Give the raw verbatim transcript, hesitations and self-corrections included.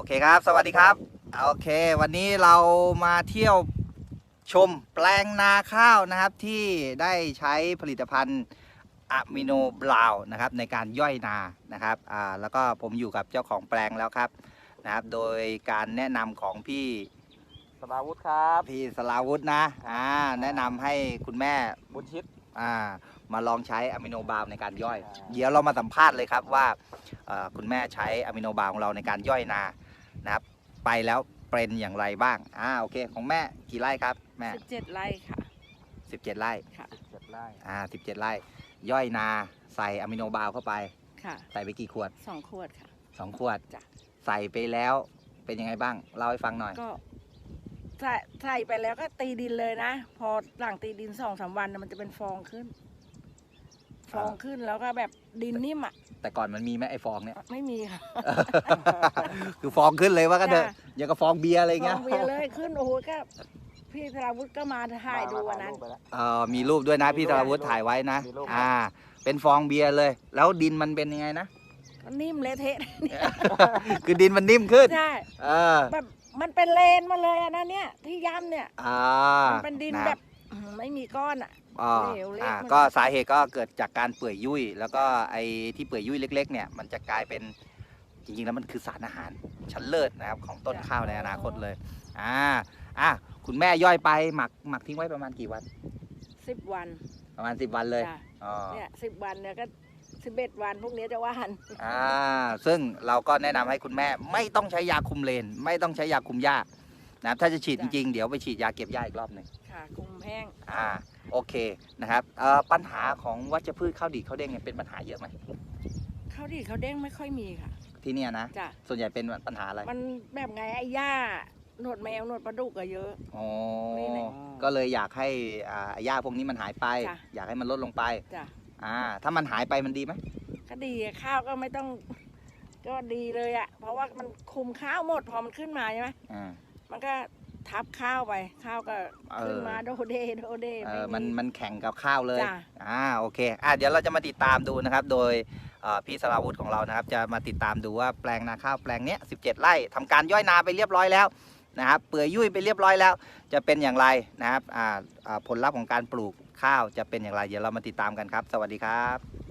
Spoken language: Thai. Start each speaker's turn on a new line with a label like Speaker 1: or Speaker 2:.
Speaker 1: เคครับสวัสดีครับโอเควันนี้เรามาเที่ยวชมแปลงนาข้าวนะครับที่ได้ใช้ผลิตภัณฑ์อะมิโนบราวน์นะครับในการย่อยนานะครับอ่าแล้วก็ผมอยู่กับเจ้าของแปลงแล้วครับนะครับโดยการแนะนำของพี่
Speaker 2: สราวุธครับ
Speaker 1: พี่สลาวุธนะอ่าแนะนำให้คุณแม่
Speaker 2: บุญชิต
Speaker 1: อ่ามาลองใช้อะมิโนบราวน์ในการย่อย
Speaker 2: อ่า
Speaker 1: เดี๋ยวเรามาสัมภาษณ์เลยครับว่าเอ่อคุณแม่ใช้อะมิโนบราวน์ของเราในการย่อยนานะครับไปแล้วเป็นอย่างไรบ้างอ่าโอเคของแม่กี่ไร่ครับแม่
Speaker 3: สิบเจ็ดไร่ค่ะ
Speaker 1: สิบเจ็ดไร่
Speaker 3: ค่ะ
Speaker 2: เจ็ดไร่
Speaker 1: อ่าสิบเจ็ดไร่ย่อยนาใส่อะมิโนบราวน์เข้าไป
Speaker 3: ค่ะ
Speaker 1: ใส่ไปกี่ขวด
Speaker 3: สองขวดค่ะ
Speaker 1: สองขวด
Speaker 3: จ้ะ
Speaker 1: ใส่ไปแล้วเป็นยังไงบ้างเล่าให้ฟังหน่อย
Speaker 3: ก็ใส่ใส่ไปแล้วก็ตีดินเลยนะ พอหลังตีดินสองสามวันน่ะมันจะเป็นฟองขึ้น ฟองขึ้นแล้วก็แบบดินนิ่มอ่ะ
Speaker 1: แต่ก่อนมันมีไหมไอ้ฟองเนี่ย
Speaker 3: ไม่มีค่ะ
Speaker 1: คือฟองขึ้นเลยว่ากันเถอะ
Speaker 3: จ้ะ
Speaker 1: อย่างกับฟองเบียร์อะไร
Speaker 3: ฟ
Speaker 1: เงี้
Speaker 3: อย งเบียร์เลยขึ้นโอ้โหก็พี่ธราวุฒิก็มาถ่ายดูวันนั้น
Speaker 2: มาถ่ายรูปไปแล้ว
Speaker 1: เอ่อมีรูปด้วยนะ
Speaker 2: มี
Speaker 1: พี่
Speaker 2: รู
Speaker 1: ธ
Speaker 2: ป
Speaker 1: ราวุฒิถ่ายไว้นะ
Speaker 2: มีรูป
Speaker 1: อ่า เป็นฟองเบียร์เลย แล้วดินมันเป็นยังไงนะ
Speaker 3: ก็นิ่มเละเทะ
Speaker 1: คือดินมันนิ่มขึ้น
Speaker 3: ใช่
Speaker 1: เออ
Speaker 3: แบบมันเป็นเลนมาเลยอะนะเนี่ยที่ย่ำเนี่ย
Speaker 1: อ่า
Speaker 3: มันเป็นดินแบบอื้อหือไม่มีก้อนอ่ะ
Speaker 1: อ่า
Speaker 3: เหลวเละ
Speaker 1: อ่า
Speaker 3: หมด
Speaker 1: ก็สาเหตุก็เกิดจากการเปื่อยยุ่ย แล้วก็ไอ้ที่เปื่อยยุ่ยเล็ก ๆ เนี่ย มันจะกลายเป็นจริงๆแล้วมันคือสารอาหารชั้นเลิศนะครับของต้นข้าวในอนาคตเลย อ่า อ่ะคุณแม่ย่อยไปหมักหมักทิ้งไว้ประมาณกี่วัน
Speaker 3: สิบวัน
Speaker 1: ประมาณสิบวันเลย
Speaker 3: จ้ะ
Speaker 1: อ๋อ
Speaker 3: เนี่ยสิบวันเนี่ยก็สิบเอ็ดวันพวกนี้จะว่าน
Speaker 1: อ่าซึ่งเราก็แนะนำให้คุณแม่ไม่ต้องใช้ยาคุมเลน ไม่ต้องใช้ยาคุมหญ้านะครับถ้าจะฉีดจริงๆ เดี๋ยวไปฉีดยาเก็บหญ้าอีกรอบหนึ่ง
Speaker 3: ค่ะคุมแห้ง
Speaker 1: อ่าโอเคนะครับเอ่อปัญหาของวัชพืชข้าวดีดข้าวเด้งเนี่ยเป็นปัญหาเยอะไหม
Speaker 3: เขาดีเขาเด้งไม่ค่อยมีค่ะ
Speaker 1: ที่เนี่ยนะ
Speaker 3: จ้ะ
Speaker 1: ส่วนใหญ่เป็นปัญหาอะไร
Speaker 3: มันแบบไงไอ้หญ้าหนวดแมวหนวดปลาดุกอะเยอะ
Speaker 1: อ๋อ
Speaker 3: นี่แหละ
Speaker 1: ก็เลยอยากให้อ่าหญ้าพวกนี้มันหายไป
Speaker 3: จ้ะ
Speaker 1: อยากให้มันลดลงไป
Speaker 3: จ้ะ
Speaker 1: อ่าถ้ามันหายไปมันดีไหม
Speaker 3: ก็ดีอะข้าวก็ไม่ต้อง ก็ดีเลยอะเพราะว่ามันคุมข้าวหมดพอมันขึ้นมาใช่ไหม
Speaker 1: อ่า
Speaker 3: มันก็ทับข้าวไป ข้าวก็
Speaker 1: เออ
Speaker 3: ขึ้นมาโดเดโดเด
Speaker 1: เอ
Speaker 3: ไ
Speaker 1: อมันมันแข่งกับข้าวเลย
Speaker 3: จ้ะ
Speaker 1: อ่าโอเคอ่ะเดี๋ยวเราจะมาติดตามดูนะครับ โดยเอ่อพี่สราวุธของเรานะครับ จะมาติดตามดูว่าแปลงนาข้าวแปลงเนี้ยสิบเจ็ดไร่ทำการย่อยนาไปเรียบร้อยแล้วนะครับ เปื่อยยุ่ยไปเรียบร้อยแล้ว จะเป็นอย่างไรนะครับอ่าอ่าผลลัพธ์ของการปลูกข้าวจะเป็นอย่างไร เดี๋ยวเรามาติดตามกันครับ สวัสดีครับ